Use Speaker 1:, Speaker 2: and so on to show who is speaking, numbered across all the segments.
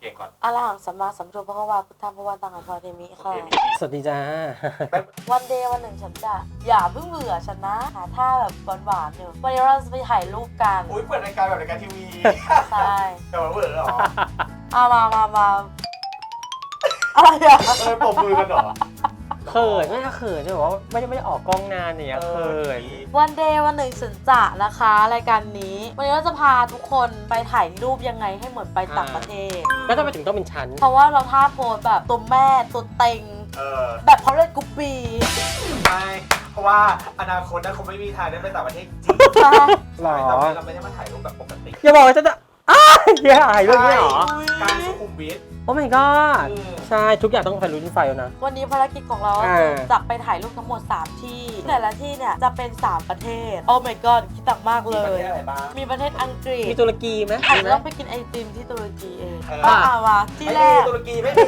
Speaker 1: ก่งก่อน
Speaker 2: อะระหังสัมมาสัมพุทโธพระวาพุทธังพระวันตังอัมภาเทมิค่ะ
Speaker 3: สวัสดีจ้า
Speaker 2: วันเดย์วันหนึ่งฉันจะอย่าเพิ่งเบื่อฉันนะหาท่าแบบหวานๆอยู่วันนี้เราจะไปถ่ายรูปกัน
Speaker 1: อุ้ยเปิดรายการแบบรายการทีวี
Speaker 2: ใช่
Speaker 1: แต่ว่าเปิดเหรอ
Speaker 2: มาอะไรอะ
Speaker 1: ปมมือกันเหรอ
Speaker 3: เขินไม่ใช่เขินจะบอกว่าไม่ได้ออกกล้องนานเนี่ยเขิน
Speaker 2: วันเดย์วันหนึ่งฉันจะนะคะรายการนี้วันนี้เราจะพาทุกคนไปถ่ายรูปยังไงให้เหมือนไปต่างประเทศ
Speaker 3: แล้วทำไมถึงต้องเป็นชั้น
Speaker 2: เพราะว่าเราท่าโพสแบบตัวแม่ตัวเต็ง แบบเขาเล่นกุ๊ปปี้
Speaker 1: ไม่เพราะว่าอนาคตนะคงไม่มีทางได้ไปต่างประเทศจริง
Speaker 3: หรอ
Speaker 1: แต่ว่าเราไม่ได้มาถ่ายรูปแบบปกติ
Speaker 3: อย่าบอกว่าจะอย่าถ่ายเรื่องนี้เหรอ
Speaker 1: การสุขุมวิท
Speaker 3: โอ้ my god ใช่ทุกอย่างต้องไฟลุ้นไฟนะ
Speaker 2: วันนี้ภารกิจของเราก็คือจะไปถ่ายรูปทั้งหมด 3 ที่แต่ละที่เนี่ยจะเป็น 3 ประเทศ โอ้ my god คิดหนักมากเล
Speaker 1: มีประ
Speaker 2: ย
Speaker 1: เทศอะไรบ้าง
Speaker 2: มีประเทศอังกฤษ
Speaker 3: มีตุรกีไหม
Speaker 2: อาจ
Speaker 3: มี
Speaker 2: จะ
Speaker 3: ไหม
Speaker 2: ต้องไปกินไอติมที่ตุรกีเอง
Speaker 1: เออ
Speaker 2: มาที่
Speaker 1: ไม่
Speaker 2: แร
Speaker 1: มี
Speaker 2: ก
Speaker 1: ตุรกีไม่มี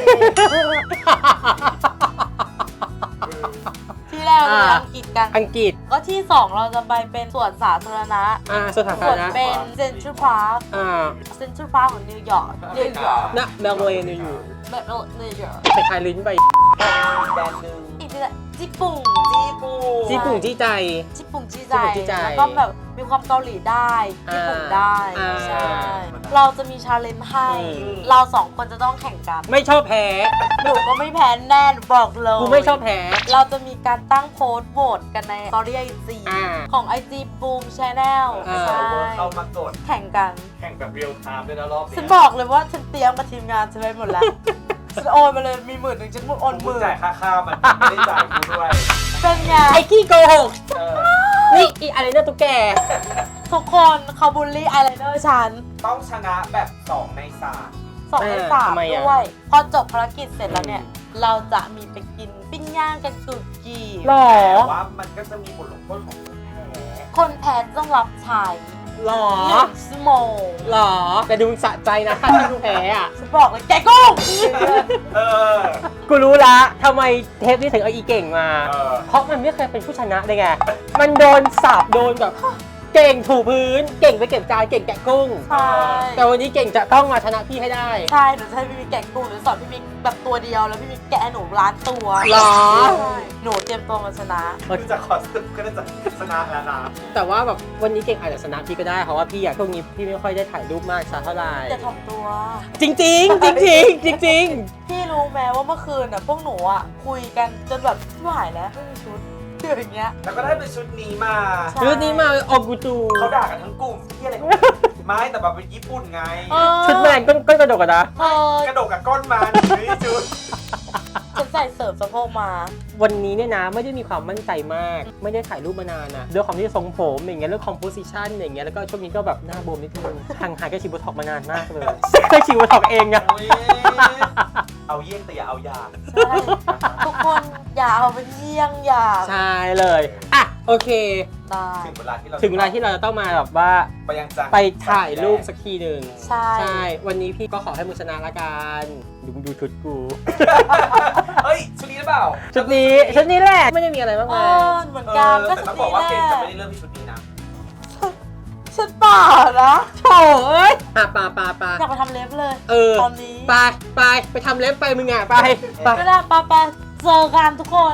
Speaker 2: ที่แรกเราไปอังกฤษกัน
Speaker 3: อังกฤษ
Speaker 2: ก็ที่ 2 เราจะไปเป็นสวนสาธารณะ
Speaker 3: สถาน
Speaker 2: ส่วน
Speaker 3: นะ
Speaker 2: เป็นเซ็นทรัลพาร์ค เซ็นทรัลพาร์คของนิวยอร์ก
Speaker 3: นะเบลเวย์อยู่
Speaker 2: แบบนิวยอร์ก
Speaker 3: ไปถ่ายลิ้นไป
Speaker 1: แบรนด์หนึ่ง
Speaker 2: อีกที่ละญี่ปุ่น
Speaker 3: จี้ปุ่งจี้ใจ
Speaker 2: ญี่ปุ่นจี
Speaker 3: ญี่
Speaker 2: ใจ
Speaker 3: ปุ่นจี้ใจ
Speaker 2: แล้วก็แบบมีความเกาหลีได้ญี่ปุ่นได้ ใช่ เราจะมีชาเลนจ์ให้ เรา2 คนจะต้องแข่งกัน
Speaker 3: ไม่ชอบแพ้
Speaker 2: หนูก็ไม่แพ้แน่นบอกเลย
Speaker 3: กูไม่ชอบแพ้
Speaker 2: เราจะมีการตั้งโพสต์โหวตกันในสตอรี่ไอจี
Speaker 3: อ่า
Speaker 2: ของ IG Boom Channel ใช่
Speaker 1: เข้ามากด
Speaker 2: แข่งกัน
Speaker 1: แข่งแบบเรียลไทม์ด้วยนะรอบนี้
Speaker 2: ฉันบอกเลยว่าฉันเตรียมกับทีมงานฉันไว้หมดแล้ว ฉันโอนมาเลยมี10,000ฉันโอน
Speaker 1: กู
Speaker 2: 10,000
Speaker 1: จ่ายค่าข้าวมันไม่ได้จ่ายกูด้วย
Speaker 2: เป็นไง
Speaker 3: ไอ้ขี้โกหก
Speaker 1: เออ
Speaker 3: นี่อีอะไรเนี่ยตุ๊กแก
Speaker 2: ทุกคนเขาบูลลี่ไอไลเนอร์ฉัน
Speaker 1: ต้องชนะแบบ2 ใน
Speaker 2: 2 ใน 3
Speaker 3: ทำไมอะ
Speaker 2: ด้วย พอจบภารกิจเสร็จแล้วเนี่ย เราจะมีไปกินปิ้งย่างกันตุรกี
Speaker 3: หรอ
Speaker 1: 3แต่ว่ามันก็จะมีบทลงโทษของคนแพ้
Speaker 2: คนแพ้ต้องรับใช้
Speaker 3: หรอ
Speaker 2: 1 ชั่วโมง
Speaker 3: หรอ แต่ดูสะใจนะถ้าดูแพ้อะ
Speaker 2: ฉันบอกเลยแกกุ้ง
Speaker 1: เออ
Speaker 3: กูรู้ละทำไมเทปนี้ถึงเอาอีเก่งมา
Speaker 1: เออ
Speaker 3: เพราะมันไม่เคยเป็นผู้ชนะเลยไง มันโดนสาบโดนแบบ เก่งถูพื้น เก่งไปเก็บจานเก่งแกะกุ้ง
Speaker 2: ใช่
Speaker 3: แต่วันนี้เก่งจะต้องมาชนะพี่ให้ได้
Speaker 2: ใช่หนูจะให้พี่มิกแกะกุ้งหรือสอนพี่มิกแบบตัวเดียวแล้วพี่มิกแกะหนูล้านตัว
Speaker 3: หรอ
Speaker 2: ใช่หนูเตรียมตัวมาชนะ
Speaker 1: คือจะขอสรุปก็น่าจะชนะแล้วนะ
Speaker 3: แต่ว่าแบบวันนี้เก่งอาจจะชนะพี่ก็ได้เพราะว่าพี่อะช่วงนี้พี่ไม่ค่อยได้ถ่ายรูปมากสักเท่าไหร่
Speaker 2: อย่าถ่อมตัว
Speaker 3: จริงจริงๆจริงๆจริง
Speaker 2: พี่รู้ไหมว่าเมื่อคืนอ่ะพวกหนูอ่ะคุยกันจนแบบไม่ไหวแล้วไม่มีชุดคืออย่างเงี้ย
Speaker 1: แล้วก็ได้เป็นชุดนี้มา
Speaker 2: ใช่
Speaker 3: ๆชุดนี้มาออกูตู
Speaker 1: เขาด่ากันทั้งกลุ่มที่อะไรไม่แต่แบบเป็นญี่ปุ่นไง
Speaker 2: เออ
Speaker 3: ชุดแมนก็กระโดดกันนะ
Speaker 2: เออก
Speaker 1: ระโดดกับก้นมันนี่ชุด
Speaker 2: ฉันใส่เสริมสะโพกมา
Speaker 3: วันนี้เนี่ยนะไม่ได้มีความมั่นใจมาก ไม่ได้ถ่ายรูปมานานนะด้วยความที่ทรงผมอย่างเงี้ยเรื่องคอมโพสิชันอย่างเงี้ยแล้วก็ช่วงนี้ก็แบบหน้าบวมนิดนึงห่างหายกับฉีดโบท็อกซ์มานานมากเลยเคยฉีดโบท็อกซ์เองนะ
Speaker 1: โอ้ยเอาเยี่ยงแต่อย่าเอาอย่าง
Speaker 2: ใช่ทุกคนอย่าเอาเป็นเยี่ยงอย่าง
Speaker 3: ใช่เลยอ่ะโอเค
Speaker 2: ได้
Speaker 1: ถึงเวลาที่เรา
Speaker 3: ถึงเวลาที่เราจะต้องมาแบบว่า
Speaker 1: ไปยังจัง
Speaker 3: ไปถ่ายรูปสักทีหนึ่ง
Speaker 2: ใช่
Speaker 3: ใช่ วันนี้พี่ก็ขอให้มึงชนะละกันดูชุดกู
Speaker 1: เฮ้ยชุดนี้หรือเปล่า
Speaker 3: ชุดนี้แหละไม่ได้มีอะไรมาก
Speaker 2: เอ
Speaker 3: มาย
Speaker 2: อเหมือนกันก็
Speaker 1: แต่
Speaker 2: ชุ
Speaker 1: ต้อ
Speaker 2: ด
Speaker 1: งบอก
Speaker 2: นี้
Speaker 1: ว่า
Speaker 2: แห
Speaker 1: เก
Speaker 2: ละ
Speaker 1: มจะไม่ได้เริ่มที่ชุดนี้นะ
Speaker 2: ฉันเปล่านะ
Speaker 3: โถ่เอ้ยอ่ะปา
Speaker 2: อยากไปทำเล็บเลย
Speaker 3: เออ
Speaker 2: ตอนนี้
Speaker 3: ไปทำเล็บไปมึงอ่ะไป
Speaker 2: ก็ได้ไปเจอกันทุกคน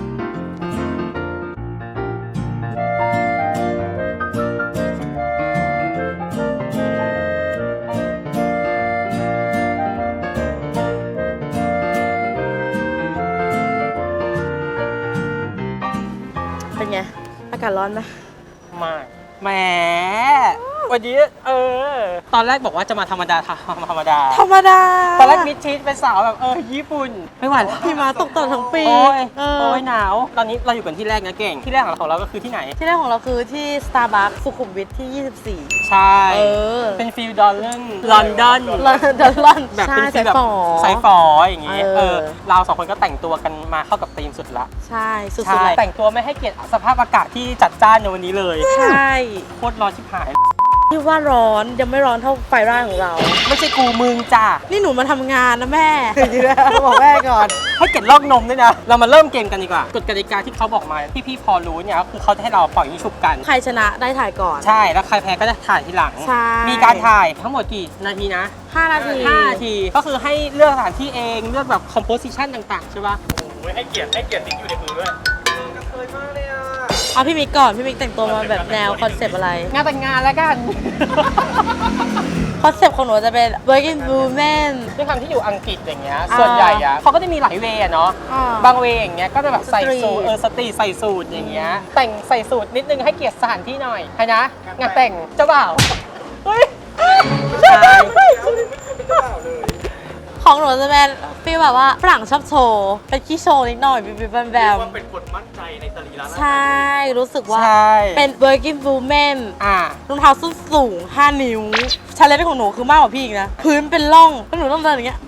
Speaker 2: เป็นไง อากาศร้อนไหม
Speaker 3: มากแหมวันนี้ตอนแรกบอกว่าจะมาธรรมดา
Speaker 2: ธรรมดา
Speaker 3: ตอนแรกมิดชิดเป็นสาวแบบญี่ปุ่นไม่ไหวแล้ว
Speaker 2: พี่มาตกตลอดทั้งปี
Speaker 3: โอ้ย
Speaker 2: เออ
Speaker 3: โอ้ยหนาวตอนนี้เราอยู่กันที่แรกนะเก่งที่แรกของเราก็คือที่ไหน
Speaker 2: ที่แรกของเราคือที่ Starbucks สุขุมวิทที่ 24
Speaker 3: ใช่
Speaker 2: เออ
Speaker 3: เป็นฟิลลอนดอนลอนดอน
Speaker 2: ลอน
Speaker 3: แบบ
Speaker 2: ใช่
Speaker 3: เป็นฟิลแบบ
Speaker 2: ฝอ
Speaker 3: สายฝออย่างงี้
Speaker 2: เออ
Speaker 3: เราสองคนก็แต่งตัวกันมาเข้ากับธีมสุดละ
Speaker 2: ใช่สุด
Speaker 3: ใช่
Speaker 2: ๆเลย
Speaker 3: แต่งตัวไม่ให้เกียรติสภาพอากาศที่จัดจ้านในวันนี้เลย
Speaker 2: ใช่
Speaker 3: โคตรร้อนชิบหาย
Speaker 2: ที่ว่าร้อนยังไม่ร้อนเท่าไฟร่างของเรา
Speaker 3: ไม่ใช่กูมึงจ้า
Speaker 2: นี่หนูมาทำงานนะแม่ บอกแม่ก่อน
Speaker 3: ให้เก็บลอกนมด้วยนะ เรามาเริ่มเกมกันดีกว่ากฎกติกาที่เขาบอกมาที่พี่พอรู้เนี่ยก็คือเขาจะให้เราปล่อยยิงฉุบกัน
Speaker 2: ใครชนะได้ถ่ายก่อน
Speaker 3: ใช่แล้วใครแพ้ก็จะถ่ายทีหลัง
Speaker 2: ใช่
Speaker 3: มีการถ่ายทั้งหมดกี่นาทีนะ
Speaker 2: 5 นาที
Speaker 3: 5 นาทีก็คือให้เลือกสถานที่เองเลือกแบบ composition ต่างๆใช่ปะ
Speaker 1: โอ้ยให้เกียรติติ๊กอยู่ในมือด้วยกระเทยมากเลยอ่ะ
Speaker 2: เอาพี่มิกก่อนพี่มิกแต่งตัวมาแบบแนวคอนเซปต์อะไร
Speaker 3: งานแต่งงานแล้วกัน
Speaker 2: คอนเซปต์ของหนูจะเป็น working woman
Speaker 3: ด้วยความที่อยู่อังกฤษอย่างเงี้ยส่วนใหญ่อะเขาก็จะมีหลายเวย์อะเนาะ
Speaker 2: อ่า
Speaker 3: บางเวย์อย่างเงี้ยก็จะแบบใส่สูท
Speaker 2: สตรีท
Speaker 3: สตรีทใส่สูทอย่างเงี้ยแต่งใส่สูทนิดนึงให้เกียรติสถานที่หน่อยใครนะงานแต่งเจ้าบ่าวเฮ้ยใช่
Speaker 1: เป็นเจ้าบ่าวเลย
Speaker 2: ของหนูจะเป็นฟีลแบบว่าฝรั่งชอบโชว์เป็นขี้โชว์นิดหน่อยบิบแบ
Speaker 1: เรีย
Speaker 2: ม
Speaker 1: กว่าเป็นคนมั่นใจในสรีระร่างกาย
Speaker 2: ใช่รู้สึกว่า
Speaker 3: ใช่
Speaker 2: เป็น working woman รองเท้าส้นสูง 5 นิ้วชาเลนจ์ของหนูคือมากกว่าพี่อีกนะ พื้นเป็นร่องแล้วหนูต้องเดินอย่างเงี้ย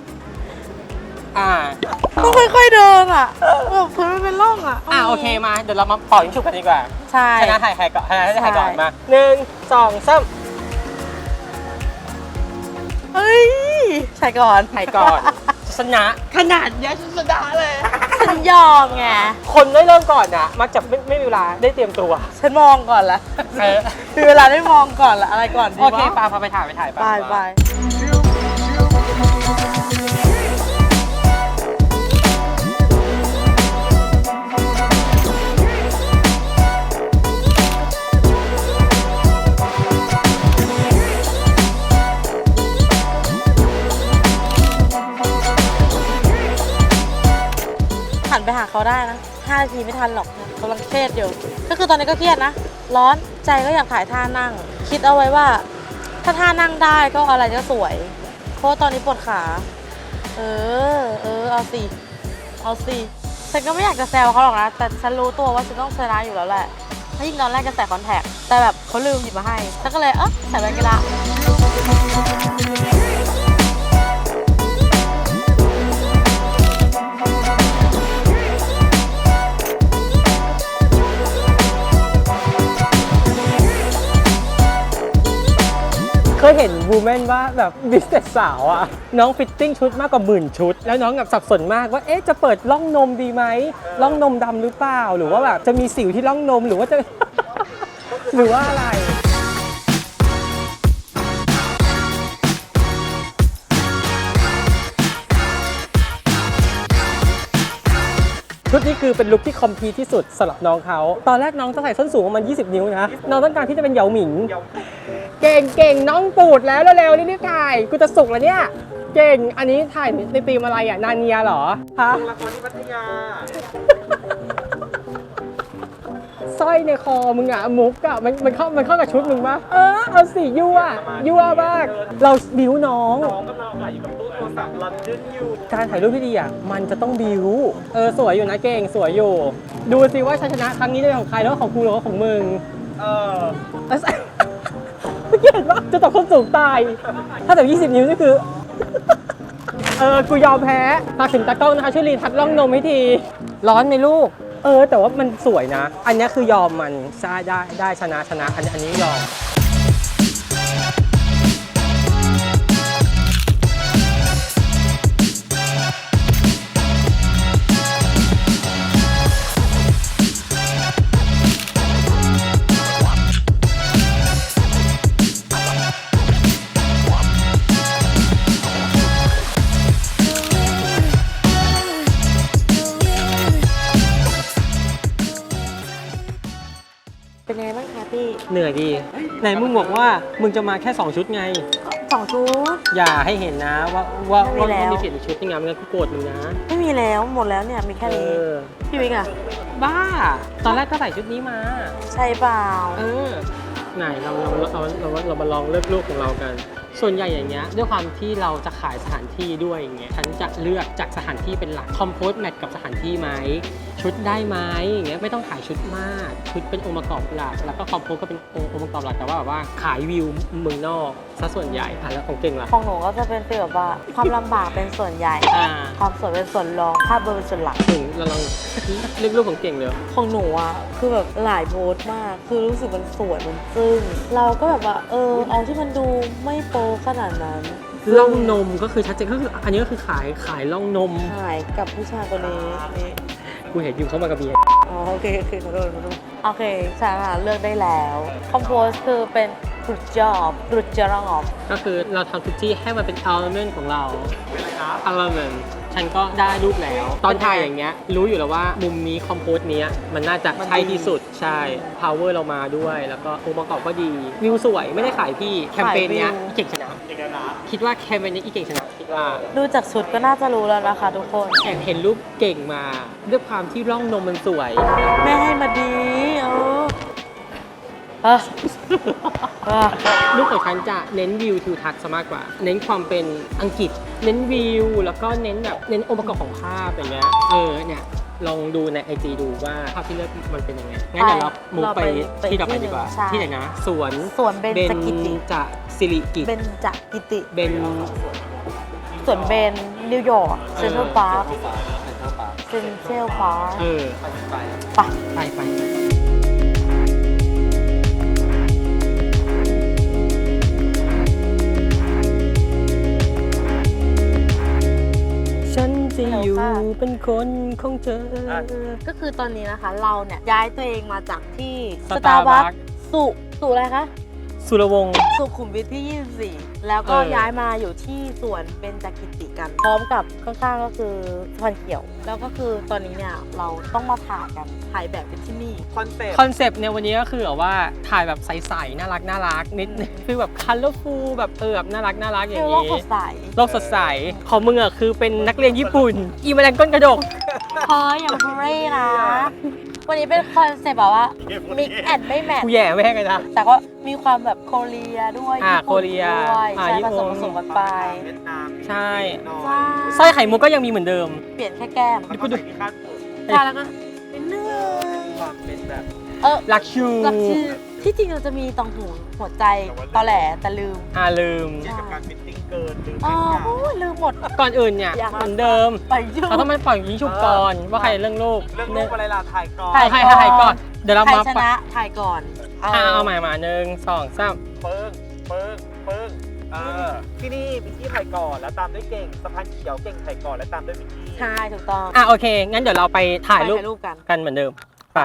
Speaker 2: ต้องค่อยๆเดินอ่ะแบบพื้นมันเป็นร่องอ่ะ
Speaker 3: โอเคมาเดี๋ยวเรามาปล่อยยิงฉุบกันดีกว่า
Speaker 2: ใช่
Speaker 3: ชนะถ่ายใครก่อนชนะถ่ายก่อน
Speaker 2: ใช่
Speaker 3: มา1 2 3
Speaker 2: เฮ้ยใช่ก่อน
Speaker 3: ถ่ายก่อนชนะขนาดเนี้ยชนะเลย
Speaker 2: ฉันยอมไง
Speaker 3: คนได้เริ่มก่อนนะมักจะไม่มีเวลาได้เตรียมตัว
Speaker 2: ฉันมองก่อนละ
Speaker 3: เออ
Speaker 2: มีเวลาได้มองก่อนละอะไรก่อนดี
Speaker 3: โอ
Speaker 2: วะ
Speaker 3: เคปาพาไปถ่ายไป
Speaker 2: ไปไป หันไปหาเขาได้นะ5 นาทีไม่ทันหรอกกำลังเครียดอยู่ ก็คือตอนนี้ก็เครียดนะ ร้อนใจก็อยากถ่ายท่านั่ง คิดเอาไว้ว่า ถ้าท่านั่งได้ก็อะไรก็สวย เพราะว่าตอนนี้ปวดขา เอาสิ เอาสิ ฉันก็ไม่อยากจะแซวเขาหรอกนะ แต่ฉันรู้ตัวว่าฉันต้องชนะอยู่แล้วแหละถ้ายิ่งตอนแรกจะใส่คอนแทค แต่แบบเขาลืมหยิบมาให้ฉันก็เลยใส่แว่นก็ได้
Speaker 3: เคยเห็นวูแมนว่าแบบบิสเนสสาวอะน้องฟิตติ้งชุดมากกว่า10,000 ชุด แล้วน้องแบบสับสนมากว่าจะเปิดร่องนมดีไหมร่องนมดำหรือเปล่าหรือว่าแบบจะมีสิวที่ร่องนมหรือว่าจะ หรือว่าอะไร ชุดนี้คือเป็นลุคที่คอมพลีทที่สุดสำหรับน้องเขาตอนแรกน้องจะใส่ส้นสูงประมาณ20 นิ้วนะน้องต้องการที่จะเป็นเหยาหมิง เก่งน้องปูดแล้วเร็วๆรีบๆถ่ายกูจะสุกแล้วเนี่ยเก่งอันนี้ถ่ายในธีมอะไรอ่ะนาเนียเหรอฮะ
Speaker 1: ลงละครที่พัทยา
Speaker 3: สร้อยในคอมึงอ่ะมุกอ่ะมันเข้ากับชุดมึงปะเอาสิยั่วบ้างเราบิ้วน้อง
Speaker 1: น้องกำลังถ่ายอยู่กับตู้โทรศัพท์ลอนดอนอยู่
Speaker 3: การถ่ายรูปที่ดีอ่ะมันจะต้องบิ้วสวยอยู่นะเก่งสวยอยู่ดูสิว่าชัยชนะครั้งนี้จะเป็นของใครแล้วของกูหรือว่าของมึงไม่เห็นว่าจะตอบคนสูงตาย ถ้าแต่20 นิ้วนี่คือ กูยอมแพ้ฝากถึงตากล้องนะคะช่วยรีทัชร่องนมให้ที ร้อนไหมลูก แต่ว่ามันสวยนะ อันนี้คือยอมมันได้ชนะอันนี้ยอม
Speaker 2: เป็นไงบ้างคะพี่
Speaker 3: เหนื่อยดี ไหนมึงบอกว่ามึงจะมาแค่ 2 ชุดไง
Speaker 2: 2 ชุด
Speaker 3: อย่าให้เห็นนะว่า
Speaker 2: ไม่มีแล้ว
Speaker 3: มีเปลี่ยนอีกชุดนึงนะมันก็โกรธมึงนะ
Speaker 2: ไม่มีแล้วหมดแล้วเนี่ยมีแค่นี้ พี่มิกอะ
Speaker 3: บ้า ตอนแรกก็ใส่ชุดนี้มา
Speaker 2: ใช่เปล่า
Speaker 3: ไหนเรามาลองเลือกลูกของเรากันส่วนใหญ่อย่างเงี้ยด้วยความที่เราจะขายสถานที่ด้วยอย่างเงี้ยฉันจะเลือกจากสถานที่เป็นหลักคอมโพสแมทกับสถานที่ไหมชุดได้ไหมอย่างเงี้ยไม่ต้องขายชุดมากชุดเป็นองค์ประกอบหลักแล้วก็คอมโพสก็เป็นองค์ประกอบหลักแต่ว่าแบบว่าขายวิวเมืองนอกซะส่วนใหญ่แล้วของเก่งล่ะ
Speaker 2: ของหนูก็จะเป็นฟีลแบบว่าความลำบากเป็นส่วนใหญ่ ความสวยเป็นส่วนรองภาพเบอร์เป็นส่วนหลัก
Speaker 3: ถึงเราลองเลือกรูปของเก่งเลย
Speaker 2: ของหนูอ่ะคือแบบหลายโพสต์มาก คือรู้สึกมันสวยมันซึ้งเราก็แบบว่าเอาที่มันดูไม่โป๊ขนาดนั้น
Speaker 3: ล่องนมก็คือชัดเจนก็คืออันนี้ก็คือขายล่องนม
Speaker 2: หายกับผู้ชายคนนี้นี่
Speaker 3: กูเห็นอยู่เข้ามากับเมีย
Speaker 2: อ๋อโอเคขอโทษโอเคสาระเลือกได้แล้วคอมโพสคือเป็นกรุดจอบ
Speaker 3: ก็คือเราทำทุกที่ให้มันเป็น element ของเรา
Speaker 1: เป็นอะไรครับ
Speaker 3: element ฉันก็ได้รูปแล้ว ตอนถ่ายอย่างเงี้ยรู้อยู่แล้วว่ามุมนี้คอมโพสเนี้ยมันน่าจะใช่ที่สุดใช่ power เรามาด้วยแล้วก็องค์ประกอบก็ดีวิวสวยไม่ได้ขายพี่แคมเปญเนี้ยอีเก่งชนะ
Speaker 1: เอกลักษณ์
Speaker 3: คิดว่าแคมเปญนี้อีเก่งชนะคิดว่า
Speaker 2: ดูจากชุดก็น่าจะรู้แล้วนะคะทุกคน
Speaker 3: แอบเห็นรูปเก่งมาด้วยความที่ร่องนมมันสวย
Speaker 2: แม่ให้มาดี
Speaker 3: ลูกของฉันจะเน้นวิวทิวทัศน์ซะมากกว่า เน้นความเป็นอังกฤษ เน้นวิวแล้วก็เน้นแบบเน้นองค์ประกอบของภาพอย่างเงี้ยเนี่ยลองดูใน IG ดูว่าภาพที่เลือกมันเป็นยังไงงั้นเดี๋ยวเรามุกไปที่ต่อไปดีกว่าที่ไหนนะสวน
Speaker 2: เบญจกิติ
Speaker 3: จะสิริกิติ
Speaker 2: เบญจกิติ
Speaker 3: เบน
Speaker 2: สวนเบนนิวยอร์กเซ็นทรัลพาร์คเซ็นทรัลพาร์ค
Speaker 3: ไปฉันจะอยู่เป็นคนของเธอ
Speaker 2: ก็คือตอนนี้นะคะเราเนี่ยย้ายตัวเองมาจากที่ Starbucks สุอะไรคะ
Speaker 3: สุรวงศ์
Speaker 2: สุขุมวิทที่ 24 แล้วก็ย้ายมาอยู่ที่สวนเบญจกิติกัน พร้อมกับข้างๆก็คือสะพานเขียว แล้วก็คือตอนนี้เนี่ยเราต้องมาถ่ายกันถ่ายแบบเป็นที่นี่
Speaker 3: คอนเซปต์เนี่ยวันนี้ก็คือแบบว่าถ่ายแบบใสๆน่ารักนิดคือแบบ colorful แบบแบบน่ารักอย่างนี้
Speaker 2: โลกสดใส
Speaker 3: ของมึงอะคือเป็นนักเรียนญี่ปุ่นอีแมลงก้นกระดก
Speaker 2: พออย่างพูเร่นะวันนี้เป็นคอนเซปต์แบบว่า mix and ไม่แมท
Speaker 3: กูแย่แม่งเลยนะ
Speaker 2: แต่ก็มีความแบบโคเรียด้วย
Speaker 3: โคเรีย
Speaker 2: ด้วยใช่ผสมกันไป
Speaker 3: ใช่สร้อยไข่มุกก็ยังมีเหมือนเดิม
Speaker 2: เปลี่ยนแค่แก้ม
Speaker 1: ก็ดูที่คาดผม
Speaker 2: ใช่แล้วก็เป็นเนื้อ
Speaker 1: ความเป็นแบบ
Speaker 3: ลักชู
Speaker 2: ที่จริงเราจะมีตองหูหัวใจตอแหลแต่ลืม
Speaker 1: เกี่ยวกับการฟิตติ้งเกิน
Speaker 2: ลืมหมด
Speaker 3: ก่อนอื่นเนี่ยเหมือนเดิมเราต้องมาปล่อยยิงฉุบก่อนว่าใครเรื่องรูป
Speaker 1: อะไรล่ะถ่ายก่อน
Speaker 3: ถ่ายก่อนเดี๋ยวเรามา
Speaker 2: ชนะถ่ายก่อน
Speaker 3: เอาใหม่มา1 2 3
Speaker 1: เปิ้งที่นี่มิกกี้ถ่ายก่อนแล้วตามด้วยเก่งสะพานเขียวเก่งถ่ายก่อนแล้วตามด้วยมิกกี้
Speaker 2: ใช่ถูกต้อง
Speaker 3: โอเคงั้นเดี๋ยวเราไปถ่ายรูปกันเหมือนเดิมไป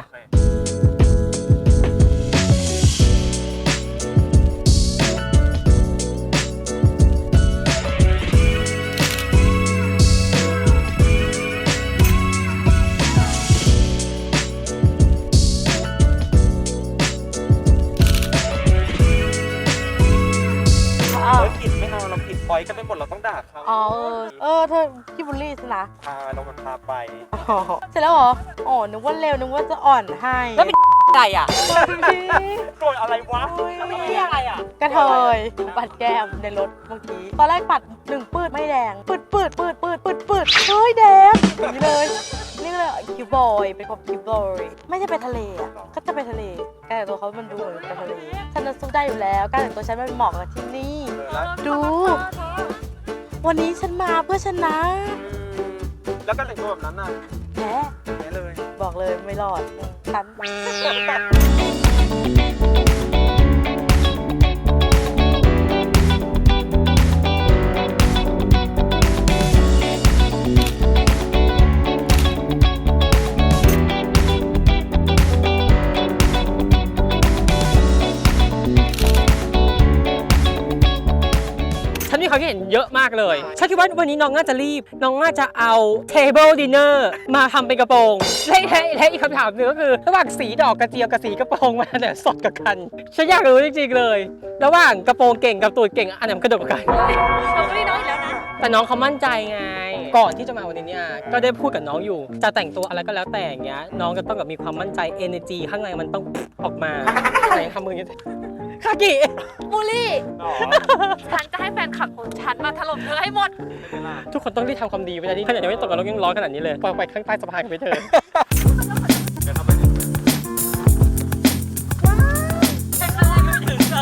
Speaker 1: ปล่อยกันไปหมดเราต้องด่าเขา
Speaker 2: เธอพี่บุลลี่สินะ
Speaker 1: เรามันพาไป
Speaker 2: เสร็จแล้วเหรอนึกว่าเร็วนึกว่าจะอ่อนให้
Speaker 3: แล้วเป็นอะไร
Speaker 1: โกรธอะไรวะ
Speaker 3: ไม่ใช่อะไร
Speaker 2: กระเทยปัดแก้มในรถเมื่อกี้ตอนแรกปัด1ปืดไม่แดงปืดเฮ้ยแดงอย่างนี้เลยนี่เลยคิวบอยเป็นความคิวบอยไม่ใช่ไปทะเลก็จะไปทะเลการแต่งตัวเขามันดูเหมือนไปทะเลฉันจะสู้ได้อยู่แล้วการแต่งตัวฉันมันเหมาะกับที่นี่ดูวันนี้ฉันมาเพื่อชนะ
Speaker 1: แล้วการแต่งตัวแบบนั้นน่ะ
Speaker 2: แพ้
Speaker 1: เลย
Speaker 2: บอกเลยไม่รอดฉัน
Speaker 3: มีความคิดเห็นเยอะมากเลยฉันคิดว่าวันนี้น้องน่าจะรีบน้องน่าจะเอา table dinner มาทำเป็นกระโปรงและอีกคำถามหนึ่งก็คือระหว่างสีดอกกระเจียวกับสีกระโปรงมาเนี่ยสดกับกันฉันอยากรู้จริงๆเลยระหว่างกระโปรงเก่งกับตูดเก่งอันไหนมันกระโดดกว่ากัน
Speaker 2: เราก็ได้น้องอีกแล้วนะ
Speaker 3: แต่น้องเขามั่นใจไงก่อนที่จะมาวันนี้เนี่ยก็ได้พูดกับน้องอยู่จะแต่งตัวอะไรก็แล้วแต่อย่างเงี้ยน้องจะต้องแบบมีความมั่นใจ energy ข้างในมันต้องออกมาไหนทำมืออย่างนี้คากิ
Speaker 2: บูลลี่
Speaker 1: อ๋อ
Speaker 2: ฉันจะให้แฟนคลับของฉันมาถล่มเธอให้หมด
Speaker 1: เป็นไงล่ะ
Speaker 3: ทุกคนต้องรีบทำความดีเวลานี้ขนาดยังไม่ตกกันแล้วยังร้อนขนาดนี้เลยปล่อยไปข้างใต้สะพานกันไปเถอะ
Speaker 1: เดี๋ยวทำไปถึง
Speaker 2: ฉันเลยไม่ถึงเลย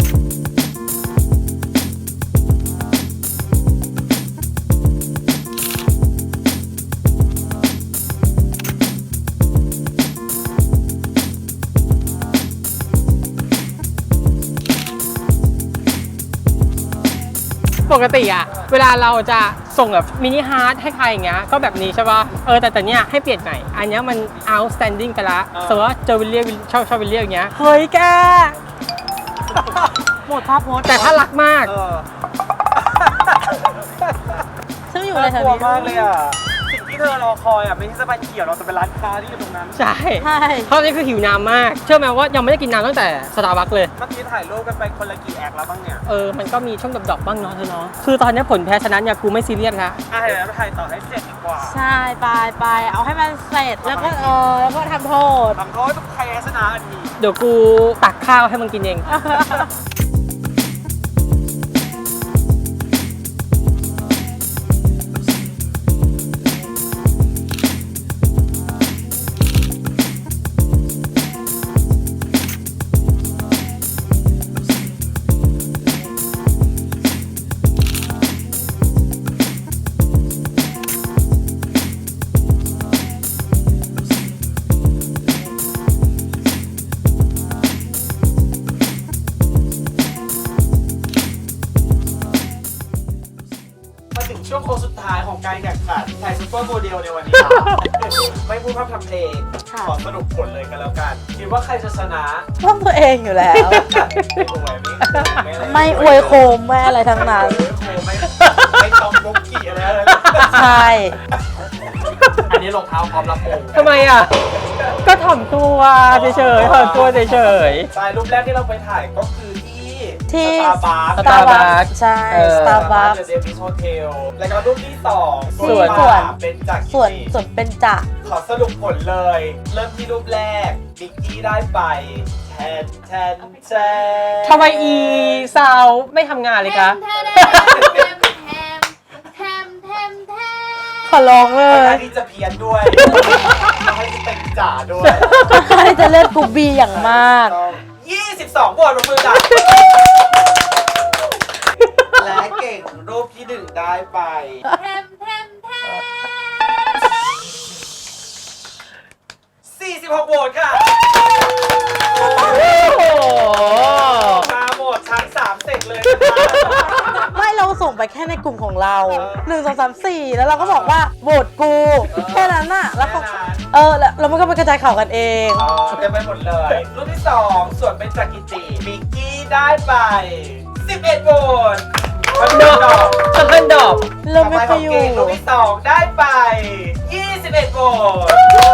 Speaker 3: ปกติอะเวลาเราจะส่งแบบมินิฮาร์ดให้ใครอย่างเงี้ยก็แบบนี้ใช่ป่ะแต่เนี้ยให้เปลี่ยนใหม่อันเนี้ยมัน outstanding ไปละสมมติว่าเจอวิลเลียมชอบวิลเลียมอย่างเงี้ยเฮ้ยแก
Speaker 2: หมดภาพโพส
Speaker 3: แต่ถ้ารักมาก
Speaker 2: ซึ่งอยู่ในแถ
Speaker 1: น่าว กลัว
Speaker 2: นี้
Speaker 1: มากเลยอ่ะ สิ่งที่เธอรอคอยอ่ะไม่ใช่สะพานเขียวเราจะเป็นร้านค้าที่อยู่ตรงนั้น
Speaker 3: ใช่
Speaker 2: ใช่
Speaker 3: เพราะนี่คือหิวน้ำมาก เชื่อไหมว่ายังไม่ได้กินน้ำตั้งแต่สตาร์บัคเลย
Speaker 1: เมื่อกี้ถ่ายรูปกันไปคนละกี่แอคแล้วบ้างเนี่ย
Speaker 3: มันก็มีช่วงดอกๆบ้างเนาะเธอเนาะคือตอนนี้ผลแพ้ชนะเนี่ยกูไม่ซีเรียสละ
Speaker 1: เดี๋ยวเราถ่ายต่อให้เสร็จดีกว่า
Speaker 2: ใช่ไปเอาให้มันเสร็จแล้วก็แล้วก็ทำโทษ
Speaker 1: ทำโทษทุกใครชนะอันนี้
Speaker 3: เดี๋ยวกูตักข้าวให้มึงกินเอง
Speaker 1: มาถึงช่วงโค้งสุดท้ายของการแข่งขันถ่ายซุปเปอร์โมเดลในวันนี้ ไม่พูดพร่ำทำเพลง
Speaker 2: ค่ะ
Speaker 1: ขอสรุปผลเลยกันแล้วกัน คิดว่าใครจะชนะ
Speaker 2: ร่วมตัวเองอยู่แล้ว
Speaker 1: ไม่อวย
Speaker 2: ไม่อวยโคมไม่อะไรทั้งนั้น
Speaker 1: ไม่ต้องบุกกี้อะไรเลย
Speaker 2: ใช่
Speaker 1: อันนี้รองเท้าพร้อมรับมง
Speaker 3: ทำไมอ่ะ ก็ถ่อมตัวเฉยๆถ่อมตัวเฉย
Speaker 1: ใช่รูปแรกที่เราไปถ่ายก็คือที่
Speaker 2: ที่
Speaker 1: สตาร์บัค
Speaker 3: สตาร์บัค
Speaker 2: ใช่
Speaker 3: เออ
Speaker 2: สตาร์บัค
Speaker 1: เดวิสโฮเทลแล้วก็รูปที่สอง
Speaker 3: ส่วน
Speaker 1: ที่มาเป็นจาก
Speaker 2: ส่วน
Speaker 1: ที่
Speaker 2: ส่วนเป็นจะ
Speaker 1: ขอสรุปผลเลย เริ่มที่รูปแรกบิกกี้ได้ไปแทน
Speaker 3: ทำไมอีสาวไม่ทำงานเลยคะ
Speaker 2: ขอร้องเล
Speaker 1: ค่อน
Speaker 2: ย
Speaker 1: ข้างที่จะเพี้ยนด้วยให้ที่เป็นจ่าด้วย
Speaker 2: ใครจะเล่นกูบีอย่างมาก
Speaker 1: 22โหวตลงมือจ้ะและเก่งรูปที่หนึ่งได้ไป 46โหวตค่ะ
Speaker 3: โอ้โห
Speaker 1: มาหมดทั้ง3เสร็จเลยนะคะ
Speaker 2: ไม่เราส่งไปแค่ในกลุ่มของเรา 1 2 3 4 แล้วเราก็บอกว่าโหวตกูแค่นั้นน่ะแล้วเขาแล้วมันก็ไปกระจายข่าวกันเอง
Speaker 1: เต็มไปหมดเลย รูปที่ 2 ส่วนเป็นจากกิติมิกกี้ได้ไป 11โหวต
Speaker 3: ดอกสำคัญดอก
Speaker 2: เราไม่ไปอยู่
Speaker 1: รูปที่ 2 ได้ไป 21โหวต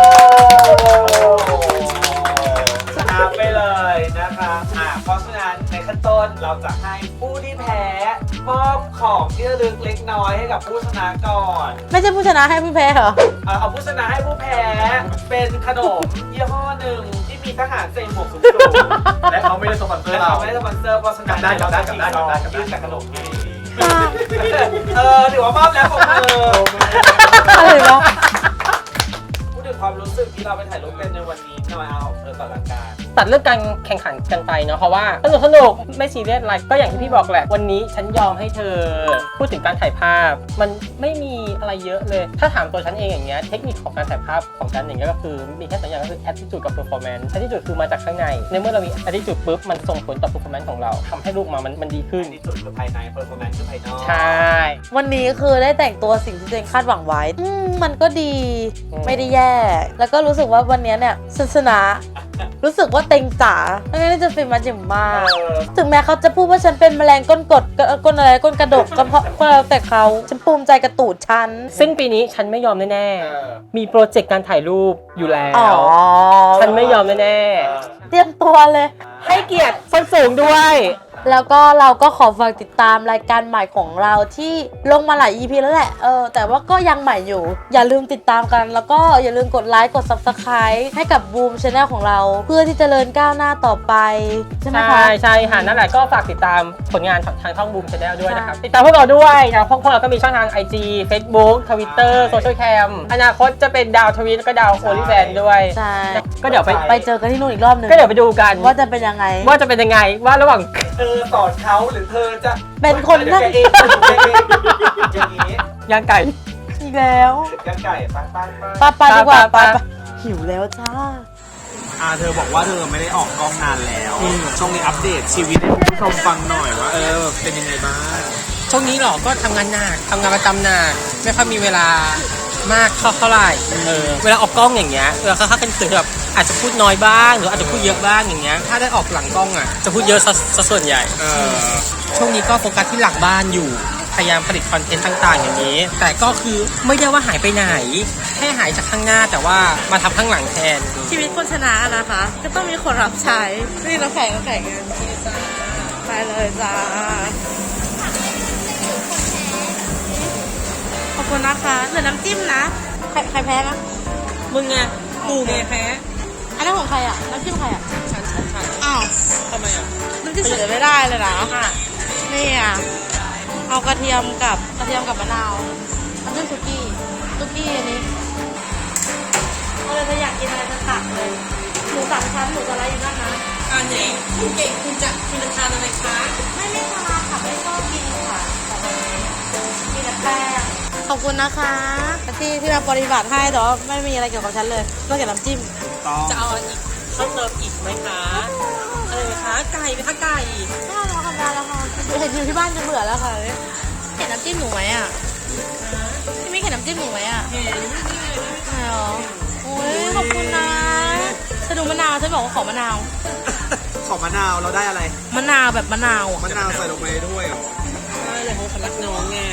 Speaker 1: ชนะไปเลยนะคะเพราะฉะนั้นในขั้นต้นเราจะให้ผู้ที่แพ้มอบของที่ระลึกเล็กน้อยให้กับผู้ชนะก่อน
Speaker 2: ไม่ใช่ผู้ชนะให้ผู้แพ้เหรอ
Speaker 1: เอาผู้ชนะให้ผู้แพ้เป็นขนมยี่ห้อหนึ่งที่มีทหารใส่หมวกสูงๆ
Speaker 4: และเขาไม่ได้สปอนเซอ
Speaker 1: และ
Speaker 4: ร์เรา
Speaker 1: เขาไม่ได้สปอนเซอร์เพราะฉะนั้น
Speaker 4: กลับได้
Speaker 1: ยื่นแต่ขนมให้ถือว่ามอบแล้วผมมือ
Speaker 2: อะไรวะ
Speaker 1: พูดถึงความรู้สึกที่เราไปถ่ายรูปกันในวันนี้หน่อยเอาต่อหลักการ
Speaker 3: ตัดเรื่องการแข่งขันกันไปเนาะเพราะว่าสนุกไม่ซีเรียสอะไรก็อย่างที่พี่บอกแหละวันนี้ฉันยอมให้เธอพูดถึงการถ่ายภาพ มันไม่มีอะไรเยอะเลย ถ้าถามตัวฉันเองอย่างเงี้ยเทคนิคของการถ่ายภาพของฉันอย่างเงี้ยก็คือมีแค่2อย่างก็คือ attitude กับ performance attitude คือมาจากข้างในในเมื่อเรามี attitude ปุ๊บมันส่งผลต่อ performance ของเราทำให้รูปมามันดีขึ้น
Speaker 1: ที่สุดคือภายในเพอร์ฟอร์แมนซ์คือภายนอก
Speaker 3: ใช่
Speaker 2: วันนี้คือได้แต่งตัวสิ่งที่ตัวเองคาดหวังไว้ มันก็ดี ไม่ได้แย่ แล้วก็รู้สึกว่าวันนี้เนี่ยฉันชนะ รู้สึกว่าเต็งจ๋าไม่งั้นจะเป็นมาจิ๋มมาก ถึงแม้เขาจะพูดว่าฉันเป็นแมลงก้นกดก้นอะไรก้นกระดกก็เพราะแล้วแต่เขาฉันภูมิใจกระตูดฉัน
Speaker 3: สิ้นปีนี้ฉันไม่ยอมแน่ๆมีโปรเจกต์การถ่ายรูปอยู่แล้
Speaker 2: อ๋อ
Speaker 3: วฉันไม่ยอมแน่
Speaker 2: เตรียมตัวเลย
Speaker 3: ๆให้เกียรติส้นสูงด้วย
Speaker 2: แล้วก็เราก็ขอฝากติดตามรายการใหม่ของเราที่ลงมาหลาย EP แล้วแหละแต่ว่าก็ยังใหม่อยู่อย่าลืมติดตามกันแล้วก็อย่าลืมกดไลค์กด Subscribe ให้กับ Boom Channel ของเราเพื่อที่จะเจริญก้าวหน้าต่อไปใช่ไหมคะ
Speaker 3: ใช่ค่ะนั่นแหละก็ฝากติดตามผลงานทางช่อง Boom Channel ด้วยนะครับติดตามพวกเราด้วยนะพวกเราก็มีช่องทาง IG Facebook Twitter Social Cam อนาคตจะเป็นดาวทวิตแล้วก็ดาวโอลิแฟนด้วย
Speaker 2: ใช่
Speaker 3: ก็เดี๋ยวไป
Speaker 2: ไปเจอกันที่นู่นอีกรอบหนึง
Speaker 3: ก็เดี๋ยวไปดูกัน
Speaker 2: ว่าจะเป็นยังไง
Speaker 3: ว่าระหว่าง
Speaker 1: เธอสอนเขาหรือเธอจะ
Speaker 2: เป็นคน
Speaker 1: เดี๋ยวแกเองอย่างนี้
Speaker 3: ย่างไก่
Speaker 2: อีกแล้ว
Speaker 1: ยังไก่ไป
Speaker 2: ไปดีกว่า
Speaker 3: ไป
Speaker 2: ไปหิวแล้วจ้า
Speaker 1: เธอบอกว่าเธอไม่ได้ออกกล้องนานแล้วช่วงนี้อัปเดตชีวิตให้คุณผู้ชมฟังหน่อยว่าเป็นยังไงบ้าง
Speaker 3: ช่วงนี้หรอก็ทำงานหนักทำงานประจำหนักไม่ค่อยมีเวลามากเท่าไหร่เวลาออกกล้องอย่างเงี้ยเขาเป็นสื่อแบบอาจจะพูดน้อยบ้างหรืออาจจะพูดเยอะบ้างอย่างเงี้ยถ้าได้ออกหลังกล้องอ่ะจะพูดเยอะซะส่วนใหญ่ช่วงนี้ก็โฟกัสที่หลังบ้านอยู่พยายามผลิตคอนเทนต์ต่างๆอย่างนี้แต่ก็คือไม่ได้ว่าหายไปไหนแค่หายจากข้างหน้าแต่ว่ามาทำข้างหลังแทน
Speaker 2: ชีวิตคนชนะนะคะ ก็ต้องมีคนรับใช้นี่เราแข่งกันไปเลยจ้าขอบคุณนะคะเหลือน้ำจิ้มนะใครแพ้นะ
Speaker 3: มึงไงกูไงแพ้
Speaker 2: อันนั้นของใครอ่ะน้ำจิ้มใครอ่ะ
Speaker 3: ฉัน
Speaker 2: อ้าว
Speaker 3: ทำไมอ่ะ
Speaker 2: น้ำจิ้มเสียไม่ได้เลยนะนี่อ่ะเอากระเทียมกับมะนาวน้ำจิ้มสุกี้อันนี้เลยอยากกินอะไรจะตักเลยหมูสามชั้นหมูสไลด์อยู่นั่นนะ
Speaker 3: อันไหนคุณเก่งคุณจะทานอะไรคะ
Speaker 2: ไม่ทานค่ะไม่ชอบกินค่ะแต่วันนี้มีแต่แป้งขอบคุณนะคะที่มาปฏิบัติให้แต่ว่าไม่มีอะไรเกี่ยวกับฉันเลยนอกจากน้ำจิ้ม
Speaker 3: จะเอาอีกเพิ่มเติมอีกไหมคะอะไรไหมคะไก่ไหมคะไก่
Speaker 2: ไม่เอาแล้วค่ะไม่เอาแล้วค่ะเห็นอยู่ที่บ้านจะเบื่อแล้วค่ะเห็นน้ำจิ้มหนูไหมอ่ะพี่ไม่เห็นน้ำจิ้มหนูไหมอ่ะ
Speaker 3: เห็น
Speaker 2: ไม่หรอโอ้ยขอบคุณนะฉันดูมะนาวฉันบอกว่าขอมะนาว
Speaker 1: ขอมะนาวเราได้อะไร
Speaker 2: มะนาวแบบมะนาวอ่ะ
Speaker 1: มะนาวใส่ลงไปด้วยเหรอ
Speaker 3: ใช่เลยเขารักน้องไง